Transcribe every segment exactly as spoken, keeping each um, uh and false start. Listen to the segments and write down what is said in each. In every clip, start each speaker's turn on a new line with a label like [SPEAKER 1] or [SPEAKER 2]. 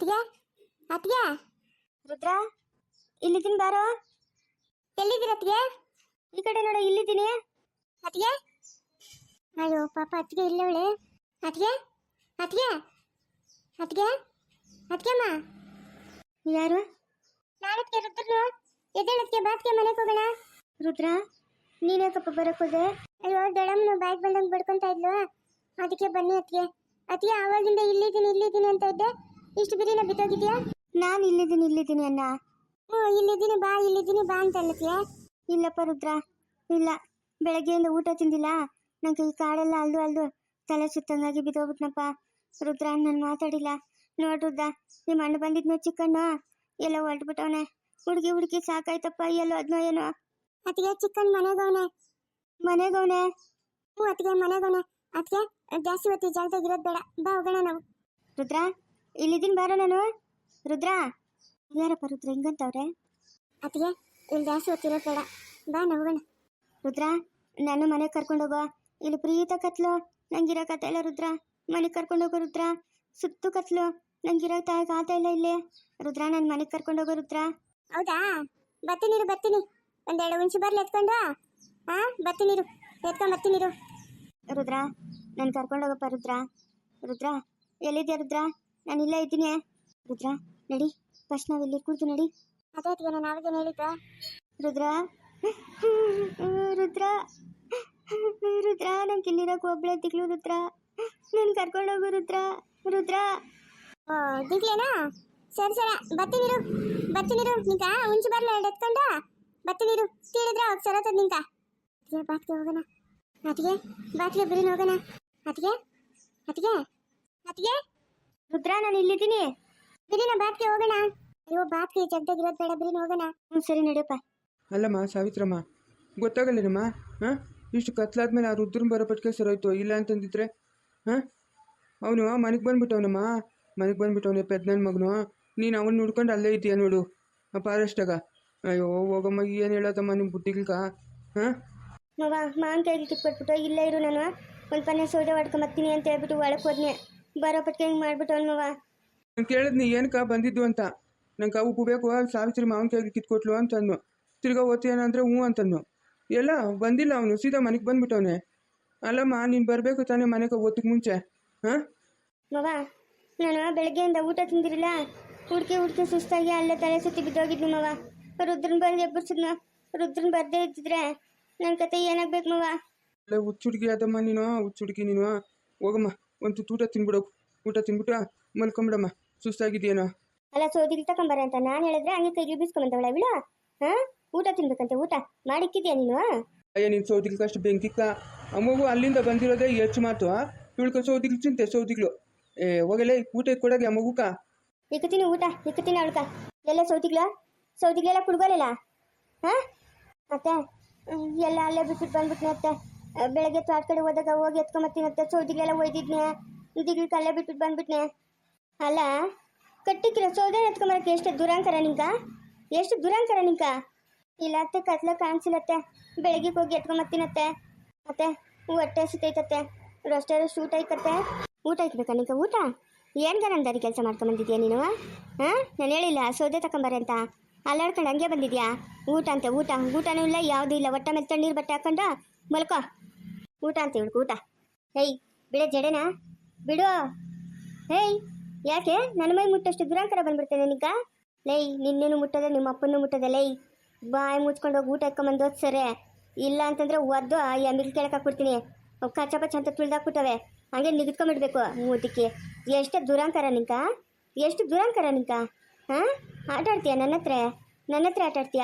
[SPEAKER 1] ಅತ್ಗೆ ಅತ್ಗೆ
[SPEAKER 2] ರುದ್ರ ಇಲ್ಲಿದ್ದೀನಿ ಬಾರೋ.
[SPEAKER 1] ಎಲ್ಲಿದ್ದೀರ ಅತ್ಗೆ?
[SPEAKER 2] ಈ ಕಡೆ ನೋಡು, ಇಲ್ಲಿದ್ದೀನಿ.
[SPEAKER 1] ಅತ್ಗೆ ಅಯ್ಯೋ ಪಾಪ ಅತ್ಗೆ ಇಲ್ಲವಳೆ. ಅತ್ಗೆ ಅತ್ಗೆ ಅತ್ಗೆ ಅತ್ಗೆಮ್ಮ
[SPEAKER 2] ಯಾರು?
[SPEAKER 1] ನಾಳತ್ಗೆ ರುದ್ರನು ಎದ್ದೇಳತ್ಗೆ ಬಾತ್ಗೆ ಮನೆಗೆ ಹೋಗೋಣ.
[SPEAKER 2] ರುದ್ರ ನೀನೇಕಪ್ಪ ಬರಕ್ ಹೋದೆ?
[SPEAKER 1] ಅಯ್ಯೋ ದಡಮ್ನು ಬಾಯ್ಗೆ ಬಂದಂಗೆ ಬಡ್ಕೊಂತ ಇದ್ಲು, ಅದಕ್ಕೆ ಬನ್ನಿ ಅತ್ಗೆ. ಅತ್ಗೆ ಆವಾಗಿಂದ ಇಲ್ಲಿದ್ದೀನಿ ಇಲ್ಲಿದ್ದೀನಿ ಅಂತ ಇದ್ದೆ, ಇಷ್ಟು ಬಿರಿನ ಬಿತ್ತೋಗಿದ್ಯಾ?
[SPEAKER 2] ನಾನು ಇಲ್ಲಿದ್ದೀನಿ ಇಲ್ಲಿದ್ದೀನಿ ಅಣ್ಣ.
[SPEAKER 1] ಹ್ಞೂ ಇಲ್ಲಿದ್ದೀನಿ ಬಾ ಇಲ್ಲಿದ್ದೀನಿ ಬಾ ಅಂತ ಅಲ್ಲತ್ಗೆ.
[SPEAKER 2] ಇಲ್ಲಪ್ಪ ರುದ್ರ, ಇಲ್ಲ. ಬೆಳಗ್ಗೆಯಿಂದ ಊಟ ತಿಂದಿಲ್ಲ, ನಂಗೆ ಈ ಕಾಡೆಲ್ಲ ಅಲ್ದು ಅಲ್ದು ತಲೆ ಸುತ್ತಂಗಾಗಿ ಬಿದ್ದೋಗ್ಬಿಟ್ನಪ್ಪ. ರುದ್ರ ನಾನು ಮಾತಾಡಿಲ್ಲ. ನೋಡ್ರುದ್ದ, ನಿಮ್ಮ ಅಣ್ಣ ಬಂದಿದ್ನು ಚಿಕ್ಕಣ್ಣ ಎಲ್ಲ ಹೊರಟ್ಬಿಟ್ಟವನೆ. ಹುಡುಗಿ ಹುಡುಗಿ ಸಾಕಾಯ್ತಪ್ಪ, ಎಲ್ಲೋ ಅದ್ನೋ ಏನೋ.
[SPEAKER 1] ಅತ್ಗೆ ಚಿಕ್ಕನ್ ಮನೆಗವನೆ
[SPEAKER 2] ಮನೆಗವನೆ?
[SPEAKER 1] ಹ್ಞೂ ಅತ್ಗೆ ಮನೆಗವನೆ. ಅತ್ಗೆ ಜಾಸ್ತಿ ಹೊತ್ತಿ ಜಾಗದಾಗ ಇರೋದು ಬೇಡ, ಬಾ ಹೋಗೋಣ ನಾವು.
[SPEAKER 2] ರುದ್ರ ಇಲ್ಲಿದ್ದೀನಿ ಬಾರೋ ನಾನು. ರುದ್ರ ಯಾರಪ್ಪ ರುದ್ರ ಹಿಂಗಂತವ್ರೆ?
[SPEAKER 1] ಅತ್ಗೆ ಇಲ್ಲಿ ಜಾಸ್ತಿ ಹೊತ್ತಿರೋದು ಬೇಡ, ಬಾ ನಾವು ಹೋಗೋಣ.
[SPEAKER 2] ರುದ್ರ ನಾನು ಮನೆಗೆ ಕರ್ಕೊಂಡೋಗೋ. ಇಲ್ಲಿ ಪ್ರೀತ ಕತ್ಲು, ನಂಗಿರೋಕತ್ತ ಇಲ್ಲ. ರುದ್ರ ಮನೆಗೆ ಕರ್ಕೊಂಡೋಗೋ. ರುದ್ರ ಸುತ್ತು ಕತ್ಲು, ನಂಗಿರೋಕ ಆತ ಇಲ್ಲ ಇಲ್ಲಿ. ರುದ್ರ ನಾನು ಮನೆಗೆ ಕರ್ಕೊಂಡೋಗೋ. ರುದ್ರ
[SPEAKER 1] ಹೌದಾ, ಬರ್ತೀನಿರು ಬರ್ತೀನಿ. ಒಂದೆರಡು ಹುಣಸಿ ಬರ್ಲಿ ಎತ್ಕೊಂಡು. ಹಾ ಬರ್ತೀನಿರು, ಎತ್ಕೊಂಡು ಬರ್ತೀನಿರು.
[SPEAKER 2] ರುದ್ರ ನಾನು ಕರ್ಕೊಂಡೋಗಪ್ಪ. ರುದ್ರ ರುದ್ರ ಎಲ್ಲಿದ್ಯಾ? ರುದ್ರ ನಾನು ಇಲ್ಲೇ ಇದ್ದೀನಿ. ರುದ್ರ ನಡಿ, ಫಸ್ಟ್ ನಾವು ಇಲ್ಲಿ ಕೂರ್ತು ನಡಿ.
[SPEAKER 1] ಅದೇ ಅತ್ಗೆ ನಾನು ಆವಾಗೇನು ಹೇಳಿದ್ದೆ.
[SPEAKER 2] ರುದ್ರ ರುದ್ರ ರುದ್ರ ನಂಗೆ ಇಲ್ಲಿರೋಕೆ ಒಬ್ಳೆ ದಿಗ್ಲು. ರುದ್ರ ನಾನು ಕರ್ಕೊಂಡೋಗು. ರುದ್ರ ರುದ್ರ
[SPEAKER 1] ಓ ದಿಗ್ಲೇನಾ? ಸರಿ ಸರಿ ಬರ್ತೀನಿರು ಬರ್ತೀನಿರು. ನಿಂಕ ಹುಣಸಿ ಬರ್ಲ ಎರಡು ಎತ್ಕೊಂಡು ಬರ್ತೀನಿರು. ತಿಳಿದ್ರೆ ಅವಾಗ ಸರತದ ನಿಂಕ. ಅತ್ಗೆ ಬಾತ್ಗೆ ಹೋಗೋಣ. ಅತ್ಗೆ ಬಾತ್ಗೆ ಬಿರಿನ ಹೋಗೋಣ. ಅತ್ಗೆ ಅತ್ಗೆ ಅತ್ಗೆ
[SPEAKER 2] ರುದ್ರ ನಾನು ಇಲ್ಲಿದ್ದೀನಿ.
[SPEAKER 1] ಬಿರಿನ ಬಾತ್ಗೆ ಹೋಗೋಣ. ಅಯ್ಯೋ ಬಾತ್ಗೆ ಜಗ್ದಾಗಿರೋದು ಬೇಡ, ಬಿರಿನ ಹೋಗೋಣ.
[SPEAKER 2] ಹ್ಞೂ ಸರಿ ನಡಿಯಪ್ಪ.
[SPEAKER 3] ಅಲ್ಲಮ್ಮ ಸಾವಿತ್ರಮ್ಮ, ಗೊತ್ತಾಗಲ್ಲೇನಮ್ಮ? ಹಾಂ ಇಷ್ಟು ಕತ್ಲಾದ್ಮೇಲೆ ಆ ರುದ್ರನ್ ಬರೋ ಪಟ್ಟಿಗೆ ಸರೋಯ್ತು. ಇಲ್ಲ ಅಂತಂದಿದ್ರೆ ಹಾಂ ಅವನು ಮನೆಗೆ ಬಂದ್ಬಿಟ್ಟವನಮ್ಮ. ಮನೆಗೆ ಬಂದ್ಬಿಟ್ಟವನೇ ಪೆದ್ನನ್ ಮಗನು. ನೀನು ಅವನು ನೋಡ್ಕೊಂಡು ಅಲ್ಲೇ ಇದೆಯಾ ನೋಡು ಆ ಫಾರೆಸ್ಟಾಗ. ಅಯ್ಯೋ ಹೋಗಮ್ಮ, ಏನು ಹೇಳತ್ತಮ್ಮ ನಿಮ್ಮ ಬುಟ್ಟಿಗ? ಹಾಂ
[SPEAKER 2] ಮವ ಮಾನ್ ಕೈಗೆ ಕಿತ್ಕೊಟ್ಬಿಟ್ಟು ಇಲ್ಲೇ ಇರು, ನಾನು ಒಂದು ಪನ್ನೆ ಸೌದೆ ಹೊಡ್ಕೊಂಬರ್ತೀನಿ ಅಂತ ಹೇಳ್ಬಿಟ್ಟು ಒಳಗೆ ಹೋದ್ನೆ. ಬರೋ ಪಟ್ಟಿಗೆ ಹಿಂಗೆ ಮಾಡ್ಬಿಟ್ಟು ಅವ್ನು ಮವ.
[SPEAKER 3] ನಾನು ಕೇಳಿದ್ನಿ ಏನಕ್ಕ ಬಂದಿದ್ದು ಅಂತ. ನಂಗೆ ಅವು ಬೇಕು, ಸಾವಿತ್ರಿ ಮಾವನ ಕೈಗೆ ಕಿತ್ಕೊಟ್ಲು ಅಂತಂದು. ತಿರ್ಗಾ ಓದ್ತೀಯನ ಅಂದರೆ ಹ್ಞೂ ಅಂತಂದು. ಎಲ್ಲ ಬಂದಿಲ್ಲ ಅವನು, ಸೀದಾ ಮನೆಗೆ ಬಂದ್ಬಿಟ್ಟವನೆ. ಅಲ್ಲಮ್ಮ ನೀನು ಬರಬೇಕು ತಾನೇ ಮನೆಗೆ ಓದಕ್ಕೆ ಮುಂಚೆ. ಹಾಂ
[SPEAKER 2] ಮವ ನಾನು ಬೆಳಗ್ಗೆಯಿಂದ ಊಟ ತಿಂದಿರಲಿಲ್ಲ, ಹುಡ್ಕಿ ಹುಡ್ಕಿ ಸುಸ್ತಾಗಿ ಅಲ್ಲೇ ತಲೆ ಸುತ್ತಿ ಬಿದ್ದೋಗಿದ್ನಿ ಮವ. ರುದ್ರನ್ ಬಂದು ಎಬ್ಬರ್ಸಿದ್ನ. ರುದ್ರನ್ ಬರ್ದೇ ಇದ್ದಿದ್ರೆ ನನ್ನ ಕತೆ ಏನಾಗ್ಬೇಕು ಮವ?
[SPEAKER 3] ಅಲ್ಲ ಹುಚ್ಚುಡ್ಗಿ ಅದಮ್ಮ ನೀನು, ಹುಚ್ಚುಡ್ಗಿ ನೀನು. ಹೋಗಮ್ಮ ಒಂದು ಊಟ ತಿನ್ಬಿಡೋಕು. ಊಟ ತಿನ್ಬಿಟ್ಟು ಮಲ್ಕೊಂಬಿಡಮ್ಮ, ಸುಸ್ತಾಗಿದೆಯೇನೋ.
[SPEAKER 2] ಅಲ್ಲ ಸೌದಿಗೆ ತಗೊಂಬರ ಅಂತ ನಾನು ಹೇಳಿದ್ರೆ ಹಂಗೆ ಕೈಗೆ ಬೀಸ್ಕೊಂಬಂದವಳ ಇವಳು. ಹಾಂ ಊಟ ತಿನ್ಬೇಕಂತೆ, ಊಟ ಮಾಡಿಕ್ಕಿದ್ಯಾ ನೀನು?
[SPEAKER 3] ಅಯ್ಯ ನೀನು ಸೌದಿಗ್ಲು ಅಷ್ಟು ಬೆಂಕಿಕ್ಕ. ಅಮ್ಮಗೂ ಅಲ್ಲಿಂದ ಬಂದಿರೋದೇ ಹೆಚ್ಚು ಮಾತು. ಇವಳ್ಕ ಸೌದಿಗ್ಲು ಚಿಂತೆ ಸೌದಿಗ್ಲು. ಏ ಹೋಗಲೇ ಊಟ ಕೊಡೋಗೆ ಆ ಮಗುಕ.
[SPEAKER 2] ಇಕ್ಕತೀನಿ ಊಟ, ಇಕ್ಕತೀನಿ ಅವಳ್ಕ. ಎಲ್ಲ ಸೌದಿಗ್ಲ ಸೌದಿಗ್ಲೆಲ್ಲ ಕುಡ್ಗೋಲಿಲ್ಲ. ಹಾಂ ಮತ್ತೆ ಎಲ್ಲ ಅಲ್ಲೇ ಬಿಟ್ಬಿಟ್ಟು ಬಂದ್ಬಿಟ್ನೆ ಅತ್ತೆ. ಬೆಳಗ್ಗೆ ತೋಟ ಕಡೆ ಹೋದಾಗ ಹೋಗಿ ಎತ್ಕೊಂಬತ್ತೀನತ್ತೆ. ಸೌದಿಗ್ಲೆಲ್ಲ ಒಯ್ದಿದ್ನೆ, ದಿಗ್ಲಿಕ್ಕೆ ಅಲ್ಲೇ ಬಿಟ್ಬಿಟ್ಟು ಬಂದ್ಬಿಟ್ನೆ. ಅಲ್ಲ ಕಟ್ಟಿಕ್ಕಿರೋ ಸೌದೆ ಎತ್ಕೊಂಬರಕ್ಕೆ ಎಷ್ಟು ದುರಾಂಕರ ನಿಂಕ? ಎಷ್ಟು ದುರಾಂಕರ ನಿಂಕ? ಇಲ್ಲ ಅತ್ತೆ, ಕತ್ಲ ಕಾಣಿಸಿಲ್ಲತ್ತೆ. ಬೆಳಗ್ಗೆ ಹೋಗಿ ಎತ್ಕೊಂಬತ್ತೀನತ್ತೆ. ಮತ್ತೆ ಹೊಟ್ಟೆ ಸಿತೈತತ್ತೆ, ರೊಷ್ಟೇ ಊಟ ಐತತ್ತೆ. ಊಟ ಐಕ್ಬೇಕಾ ನಿಂಕ? ಊಟ ಏನ್ಗ ನನ್ನ ದಾರಿ ಕೆಲಸ ಮಾಡ್ಕೊಂಬಂದಿದ್ಯಾ ನೀನು? ಹಾಂ ನಾನು ಹೇಳಿಲ್ಲ ಸೌದೆ ತಗೊಂಬರ ಅಂತ. ಅಲ್ಲಾಡ್ಕೊಂಡು ಹಂಗೆ ಬಂದಿದ್ಯಾ? ಊಟ ಅಂತೆ ಊಟ, ಊಟನೂ ಇಲ್ಲ ಯಾವುದೂ ಇಲ್ಲ. ಹೊಟ್ಟೆ ಮೇಲೆ ತಣ್ಣೀರು ಬಟ್ಟೆ ಹಾಕೊಂಡು ಮಲ್ಕೋ. ಊಟ ಅಂತ ಹೇಳ್ಕೊ ಊಟ. ಹೇಯ್ ಬಿಡ ಜಡೆನಾ ಬಿಡು. ಹೇಯ್ ಯಾಕೆ ನನ್ನ ಮೈ ಮುಟ್ಟಷ್ಟು ದುರಾಂಕರ ಬಂದ್ಬಿಡ್ತೇನೆ ನಿಂಕ? ಲೈ ನಿನ್ನೇನು ಮುಟ್ಟದೆ, ನಿಮ್ಮ ಅಪ್ಪನೂ ಮುಟ್ಟದೆ. ಲೈ ಬಾಯಿ ಮುಚ್ಕೊಂಡು ಹೋಗಿ ಊಟ ಇಟ್ಕೊಂಬಂದು ಸರಿ. ಇಲ್ಲ ಅಂತಂದರೆ ಒದ್ದು ಎಮ್ಮಿಗೆ ಕೆಳಕ್ಕೆ ಹಾಕ್ಬಿಡ್ತೀನಿ. ಅವು ಕಚ್ಚ ಪಚ್ಚ ಅಂತ ತುಳಿದಾಕ್ಬಿಟ್ಟವೆ, ಹಾಗೆ ನಿಗಿದ್ಕೊಂಬಿಡ್ಬೇಕು ಮೂತಿಕ್ಕೆ. ಎಷ್ಟು ದುರಾಂಕರ ನಿಂಕ? ಎಷ್ಟು ದುರಾಂಕರ ನಿಂಕ? ಹಾಂ ಆಟ ಆಡ್ತೀಯ ನನ್ನ ಹತ್ರ? ನನ್ನ ಹತ್ರ ಆಟ ಆಡ್ತೀಯಾ?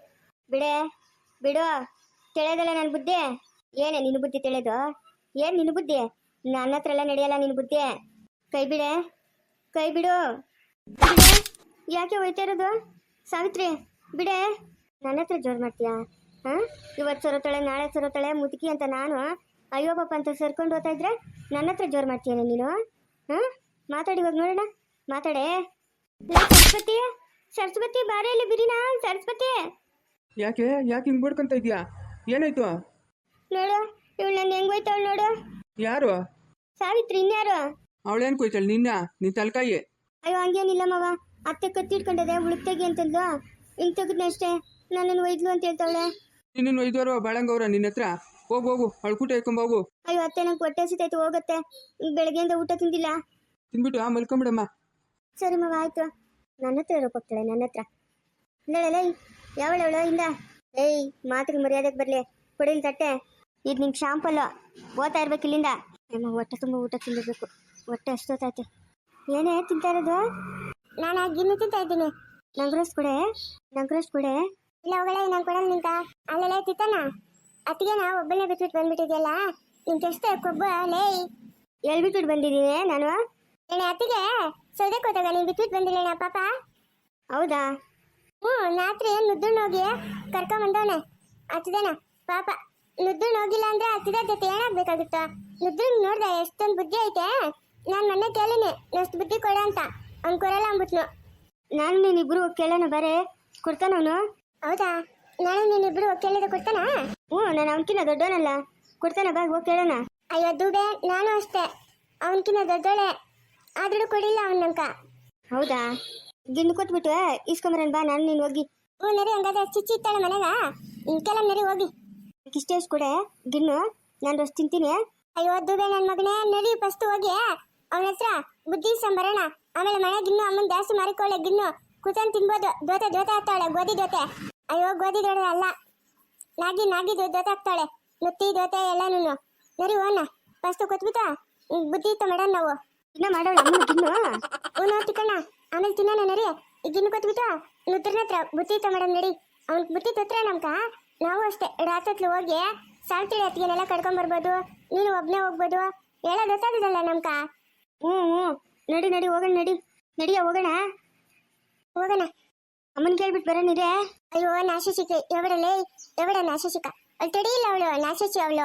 [SPEAKER 2] ಬಿಡೆ ಬಿಡು. ತಿಳಿಯೋದಲ್ಲ ನನ್ನ ಬುದ್ಧಿ. ಏನೇ ನಿನ್ನ ಬುದ್ಧಿ ತಿಳಿಯೋದು? ಏನು ನಿನ್ನ ಬುದ್ಧಿ? ನನ್ನ ಹತ್ರ ಎಲ್ಲ ನಡೆಯಲ್ಲ ನಿನ್ನ ಬುದ್ಧಿ. ಕೈ ಬಿಡೆ, ಕೈ ಬಿಡು. ಯಾಕೆ ಹೋಯ್ತಾ ಇರೋದು? ಸಾವಿತ್ರಿ ಬಿಡೆ. ನನ್ನ ಹತ್ರ ಜೋರು ಮಾಡ್ತೀಯಾ? ಹಾಂ ಇವತ್ತು ಸರೋತಾಳೆ, ನಾಳೆ ಸರೋತಾಳೆ ಮುದುಕಿ ಅಂತ ನಾನು ಅಯ್ಯೋ ಪಾಪ ಅಂತ ಸರ್ಕೊಂಡು ಹೋಗ್ತಾ ಇದ್ರೆ ನನ್ನ ಹತ್ರ ಜೋರು ಮಾಡ್ತೀಯನ ನೀನು? ಹಾಂ ಮಾತಾಡಿ ಇವಾಗ ನೋಡೋಣ, ಮಾತಾಡೆ. ಸರಸ್ವತಿ ಸರಸ್ವತಿ ಬಾರೆ ಇಲ್ಲಿ ಬಿರಿನಾ. ಸರಸ್ವತಿ
[SPEAKER 3] ಯಾಕೆ ಯಾಕೆ ಹಿಂಗೆ ಬಡ್ಕೊಂತ ಇದೆಯಾ? ಏನಾಯ್ತು
[SPEAKER 2] ನೋಡು, ಇವಳು ನನ್ನ ಹೆಂಗ್ ಹೋಯ್ತಾವಳು ನೋಡು.
[SPEAKER 3] ಯಾರು?
[SPEAKER 2] ಸಾವಿತ್ರಿ. ಇನ್ಯಾರು?
[SPEAKER 3] ಅವಳೇನು ಕೊಯ್ತಾಳೆ ನಿನ್ನ? ನಿನ್ನ ತಲಕಾಯಿ.
[SPEAKER 2] ಅಯ್ಯೋ ಹಂಗೇನಿಲ್ಲ ಮಾವ, ಅತ್ತೆ ಕತ್ತಿಟ್ಕೊಂಡದೆ ಉಳುಕ್ ತೆಗಿ ಅಂತಂದ್ಲು, ಹಿಂಗೆ ತೆಗೆದ್ನೆ ಅಷ್ಟೇ. ನನ್ನನ್ನು ಒಯ್ದ್ಲು ಅಂತ ಹೇಳ್ತಾವಳೆ.
[SPEAKER 3] ನಿನ್ನ ಒಯ್ದವರು ಬಾಳಂಗವ್ರ ನಿನ್ನ ಹತ್ರ? ಹೋಗು ಹೋಗು ಅಳ್ಕೂಟ ಇಟ್ಕೊಂಬೋಗು.
[SPEAKER 2] ಅಯ್ಯೋ ಅತ್ತೆ, ನಂಗೆ ಹೊಟ್ಟೆ ಹಸಿತೈತೆ, ಹೋಗತ್ತೆ. ಬೆಳಗ್ಗೆಯಿಂದ ಊಟ ತಿಂದಿಲ್ಲ.
[SPEAKER 3] ತಿನ್ಬಿಟ್ಟು ಆ ಮಲ್ಕೊಂಬಿಡಮ್ಮ.
[SPEAKER 2] ಸರಿ ಮಾವ, ಆಯ್ತು. ನನ್ನ ಹತ್ರ ಇರೋಕೆ ಹೋಗ್ತಾಳೆ, ನನ್ನ ಹತ್ರ. ಇಲ್ಲೇ ಯಾವಳವಳು ಇಂದ? ಏಯ್, ಮಾತಿಗೆ ಮರ್ಯಾದಕ್ಕೆ ಬರಲಿ, ಕೊಡಿಲ್ ತಟ್ಟೆ. ಇದು ನಿಂಗೆ ಶಾಂಪಲ್ಲು, ಓದ್ತಾ ಇರ್ಬೇಕು ಇಲ್ಲಿಂದ. ನಮ್ಮ ಹೊಟ್ಟೆ ತುಂಬ ಊಟ ತಿನ್ನಬೇಕು, ಹೊಟ್ಟೆ ಅಷ್ಟೊತ್ತೈತೆ. ಏನೇ ತಿಂತಾ ಇರೋದು?
[SPEAKER 1] ನಾನು ಗಿನ್ನು ತಿಂತಾ ಇದ್ದೀನಿ.
[SPEAKER 2] ನಂಗ್ರಸ್ ಕೊಡೆ, ನಂಗ್ರಸ್ ಕೊಡೆ.
[SPEAKER 1] ಇಲ್ಲ ಹೋಗಳೆ, ನಾನು ಕೊಡಲ್ಲ ನಿಂಕ. ಅಲ್ಲೆಲ್ಲ ತಿತ್ತಾನ ಅತ್ತಿಗೆ ನಾ ಒಬ್ಬನೇ ಬಿಟ್ಬಿಟ್ಟು ಬಂದ್ಬಿಟ್ಟಿದ್ಯಲ್ಲ, ನಿಂಗೆ ಎಷ್ಟು ಕೊಬ್ಬ ಲೇ.
[SPEAKER 2] ಹೇಳ್ಬಿಟ್ಬಿಟ್ಟು ಬಂದಿದ್ದೀನಿ ನಾನು.
[SPEAKER 1] ಏನೇ ಅತ್ತಿಗೆ ಸೌದೆ ಕೊತ್ತಾಗ ನೀನು ಬಿಟ್ಬಿಟ್ಟು ಬಂದಿಲ್ಲ ಪಾಪ?
[SPEAKER 2] ಹೌದಾ?
[SPEAKER 1] ಹ್ಞೂ, ರಾತ್ರಿ ನುದ್ದುಣ್ಣು ಹೋಗಿ ಕರ್ಕೊಂಬಂದವನೆ. ಹತ್ತಿದೇನ ಪಾಪ. ನುದ್ದುಣ್ಣು ಹೋಗಿಲ್ಲ ಅಂದ್ರೆ ಹತ್ತಿದ ಜೊತೆ ಏನಾಗಬೇಕಾಗಿತ್ತು? ನುದ್ದುಣ್ಣು ನೋಡ್ದೆ ಎಷ್ಟೊಂದು ಬುದ್ಧಿ ಐತೆ. ನಾನು ಮೊನ್ನೆ ಕೇಳಿನಿ ಎಷ್ಟು ಬುದ್ಧಿ ಕೊಡ ಅಂತ, ಅವ್ನು ಕೊಡಲ್ಲ ಅಂದ್ಬಿಟ್ನು.
[SPEAKER 2] ನಾನು ನೀನಿಬ್ರು ಕೇಳೋಣ ಬಾರೆ, ಕೊಡ್ತಾನವನು.
[SPEAKER 1] ಹೌದಾ? ನಾನು ನೀನಿಬ್ರು ಕೇಳಿದ ಕೊಡ್ತಾನಾ?
[SPEAKER 2] ಹ್ಞೂ, ನಾನು ಅವನಕಿನ್ನ ದೊಡ್ಡವನಲ್ಲ, ಕೊಡ್ತಾನ ಬಾ, ಹೋಗಿ ಕೇಳೋಣ.
[SPEAKER 1] ಅಯ್ಯೋ ದೂಬೆ, ನಾನು ಅಷ್ಟೇ ಅವನಕಿನ್ನ ದೊಡ್ಡೋಳೆ, ಆದ್ರೂ ಕೊಡಿಲ್ಲ ಅವನ ನಂಕ.
[SPEAKER 2] ಹೌದಾ? ಗಿಣ್ಣು ಕೊಟ್ಬಿಟ್ಟು ಇಸ್ಕೊಂಬರನ್ ಬಾ, ನಾನು ನೀನು ಹೋಗಿ.
[SPEAKER 1] ಹ್ಞೂ ನರಿ, ಹಂಗಾದ್ರೆ ಚಿಚ್ಚಿ ಇತ್ತಾಳೆ ಮನೆಗ, ಕೆಲ ನರಿ ಹೋಗಿ.
[SPEAKER 2] ಇಷ್ಟೇ ಎಷ್ಟು ಕೊಡೆ ಗಿಣ್ಣು, ನಾನು ರೊಷ್ಟು ತಿಂತೀನಿ.
[SPEAKER 1] ಅಯ್ಯೋ ದೂಬೆ ನನ್ನ ಮಗನೇ, ನಡಿ ಫಸ್ಟ್ ಹೋಗಿ ಅವನ ಹತ್ರ ಬುದ್ಧಿ ಸಂಬರೋಣ. ಆಮೇಲೆ ಮನೆ ಗಿನ್ನು ಅಮ್ಮನ ಜಾಸ್ತಿ ಮಾರಿಕೊಳ್ಳೆ, ಗಿನ್ನು ಕೂತನ್ ತಿನ್ಬೋದು. ದೋತೆ ದೋತೆ ಆಗ್ತಾಳೆ, ಗೋಧಿ ದೋತೆ. ಅಯ್ಯೋ ಗೋಧಿ ದೋಡೆ ಅಲ್ಲ, ನಾಗಿ ನಾಗಿ ದೋತೆ ಆಗ್ತಾಳೆ, ನುತ್ತಿ ದೋತೆ ಎಲ್ಲನೂ. ನರಿ ಹೋಣ ಫಸ್ಟ್ ಕೊತ್ಬಿಟ್ಟ ಬುದ್ಧಿ ಇತ್ತ ಮೇಡಮ್ ನಾವು.
[SPEAKER 2] ಇನ್ನ ಮಾಡೋಣ ಅಮ್ಮನ ಗಿನ್ನು.
[SPEAKER 1] ಹ್ಞೂ ತಿಕ್ಕಣ್ಣ, ಆಮೇಲೆ ತಿನ್ನೋಣ ನರಿ. ಈಗ ಗಿನ್ನು ಕೊತ್ಬಿಟ್ಟು ನುತ್ರನ ಹತ್ರ ಬುದ್ಧಿ ಇತ್ತ ಮೇಡಮ್ ನಡಿ. ಅವ್ನ ಬುದ್ಧಿ ತೊತ್ರ ನಮ್ಕ. ನಾವು ಅಷ್ಟೇ ರಾತ್ರಿ ಹೋಗಿ ಸಾವಿತ್ರಿ ಅತ್ತಿಗೆನೆಲ್ಲ ಕರ್ಕೊಂಬರ್ಬೋದು, ನೀನು ಒಬ್ಬನೇ ಹೋಗ್ಬೋದು. ಹೇಳೋದು ಗೊತ್ತಾಗೋದಲ್ಲ ನಮ್ಕ.
[SPEAKER 2] ಹ್ಞೂ ಹ್ಞೂ, ನಡಿ ನಡಿ ಹೋಗೋಣ, ನಡಿ ನಡಿಯ ಹೋಗೋಣ.
[SPEAKER 1] ಹೋಗೋಣ.
[SPEAKER 2] ಅಮ್ಮನ ಕೇಳ್ಬಿಟ್ಟು ಬರೋಣಿರೇ.
[SPEAKER 1] ಅಯ್ಯೋ ನಾಶಿಕ ಎವಡಲೇ, ಎವಡ ನಾಶಿಕ. ಅವಳು ತಡಿಯಿಲ್ಲ, ಅವಳು ನಾಶಿಸಿ ಅವಳು.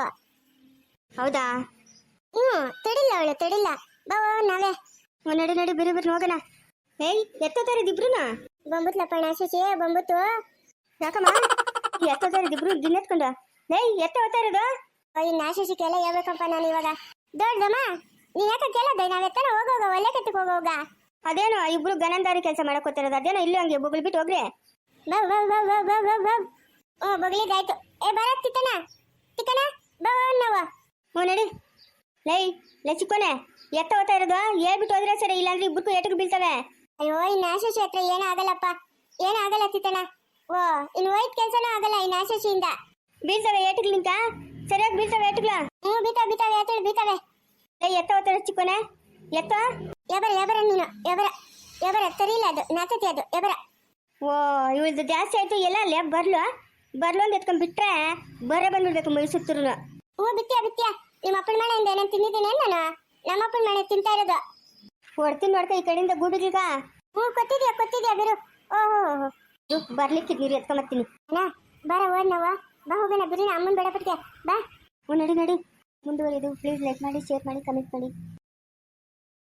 [SPEAKER 2] ಹೌದಾ?
[SPEAKER 1] ಹ್ಞೂ ತಡಿಲ್ಲ ಅವಳು, ತಡಿಲ್ಲ. ಬಾ ನಾವೇ.
[SPEAKER 2] ಹ್ಞೂ ನಡಿ ನಡಿ, ಬೇರೆ ಬೇರೆ ಹೋಗೋಣ. ಏಯ್, ಎತ್ತೋತಾರಿದಿಬ್ರುನ?
[SPEAKER 1] ಬಂಬುತ್ಲಪ್ಪ ನಾಶಿಸಿ, ಬಂಬುತ್ತು.
[SPEAKER 2] ಯಾಕಮ್ಮ ಎತ್ತೋತಾರಿದಿಬ್ರು ದಿನ ಎತ್ಕೊಂಡು? ಏಯ್, ಎತ್ತ ಹೋಗ್ತಾ ಇರೋದು?
[SPEAKER 1] ಅಯ್ಯ ನಾಶಿಸಿಕೆಲ್ಲ ಹೇಳ್ಬೇಕಪ್ಪ ನಾನು ಇವಾಗ. ದೊಡ್ಡದಮ್ಮ ನೀ ಯಾಕೆ ಕೇಳೋದ? ನಾವ್ ಎತ್ತಾನ ಹೋಗೋಗ, ಒಳ್ಳೆ ಕತ್ತಿಗೆ ಹೋಗೋಗ.
[SPEAKER 2] ಅದೇನೋ ಇಬ್ರು ಗನಂದಾರಿ ಕೆಲಸ ಮಾಡಕ್ ಹೋಗ್ತಿರೋದು, ಅದೇನೋ ಇಲ್ಲೂ ಹಂಗೆ ಬೊಗಲ್ ಬಿಟ್ಟು ಹೋಗ್ರಿ.
[SPEAKER 1] ಬವ್ ಬವ್ ಬವ್ ಬವ್ ಬವ್ ಬವ್ ಬವ್. ಓ ಬಗ್ಲಿದಾಯ್ತು. ಏ ಬರ ತಿಕ್ಕನ ತಿಕ್ಕನ ಬವ್ ನಾವು.
[SPEAKER 2] ಹ್ಞೂ ನಡಿ. ಲೈ ಲೈ ಚಿಕ್ಕೋನೆ, ಎತ್ತ ಹೋಗ್ತಾ ಇರೋದು ಹೇಳ್ಬಿಟ್ಟು ಹೋದ್ರೆ ಸರಿ, ಇಲ್ಲಾಂದ್ರೆ ಇಬ್ಬರು ಏಟಕ್ಕೆ ಬೀಳ್ತವೆ.
[SPEAKER 1] ಅಯ್ಯೋ ಇನ್ನು ಆಶಾಶಿ ಹತ್ರ ಏನೂ ಆಗಲ್ಲಪ್ಪ, ಏನೂ ಆಗಲ್ಲ ತಿತ್ತನ. ಓ ಇನ್ನು ಹೋಯ್ತು ಕೆಲಸನೂ ಆಗಲ್ಲ ಇನ್ನು ಆಶಾಶಿಯಿಂದ.
[SPEAKER 2] ಬೀಳ್ತವೆ ಏಟುಗಳಿಂತ, ಸರಿಯಾಗಿ ಬೀಳ್ತವೆ ಏಟುಗಳ.
[SPEAKER 1] ಹ್ಞೂ ಬೀತಾವೆ ಬೀತಾವೆ ಎತ್ತಳು ಬೀತಾವೆ.
[SPEAKER 2] ಲೈ ಎತ್ತ ಹೋಗ್ತಾ ಇರೋ ಚಿಕ್ಕೋನೆ, ಎತ್ತ.
[SPEAKER 1] ಎಬರ ಎಬರ ನೀನು ಎಬರ ಎಬರ ತರಿಲ್ಲ, ಅದು ನಾತತಿ ಅದು ಎಬರ.
[SPEAKER 2] ಓ ಇವಳ್ದು ಜಾಸ್ತಿ ಆಯ್ತು. ಎಲ್ಲ ಅಲ್ಲೇ ಬರ್ಲು ಬರ್ಲು ಅಂತ ಎತ್ಕೊಂಡ್ ಬಿಟ್ರೆ ಬರೇ ಬಂದ್ಬಿಡ್ಬೇಕು ಮೈಸೂರು.
[SPEAKER 1] ಹ್ಞೂ ಬಿತ್ತೀಯ ಬಿತ್ತೀಯ. ನಿಮ್ಮ ಅಪ್ಪನ ಮನೆಯಿಂದ ನಾನು ತಿಂದಿದ್ದೀನಿ ನಾನು, ನಮ್ಮ ಅಪ್ಪನ ಮನೆ ತಿಂತಾ ಇರೋದು.
[SPEAKER 2] ಹೊಡ್ತೀನಿ ನೋಡ್ಕ ಈ ಕಡೆಯಿಂದ ಗೂಡುಗೀಗ.
[SPEAKER 1] ಹ್ಞೂ ಕೊತ್ತಿದ್ಯಾ ಕೊತ್ತಿದ್ಯಾ ಬಿರು. ಓಹೋ
[SPEAKER 2] ಬರ್ಲಿಕ್ಕೆ ನೀರು ಎತ್ಕೊಂಬರ್ತೀನಿ.
[SPEAKER 1] ಅಣ್ಣ ಬಾರ ಹೋದ್ ನಾವು, ಬಾ ಹೋಗೋಣ ಬಿರಿನ ಅಮ್ಮನ ಬೇಡ ಪಟ್ಗೆ ಬಾ.
[SPEAKER 2] ಹ್ಞೂ ನಡಿ ನಡಿ. ಮುಂದುವರಿದು ಪ್ಲೀಸ್ ಲೈಕ್ ಮಾಡಿ, ಶೇರ್ ಮಾಡಿ, ಕಮೆಂಟ್ ಮಾಡಿ.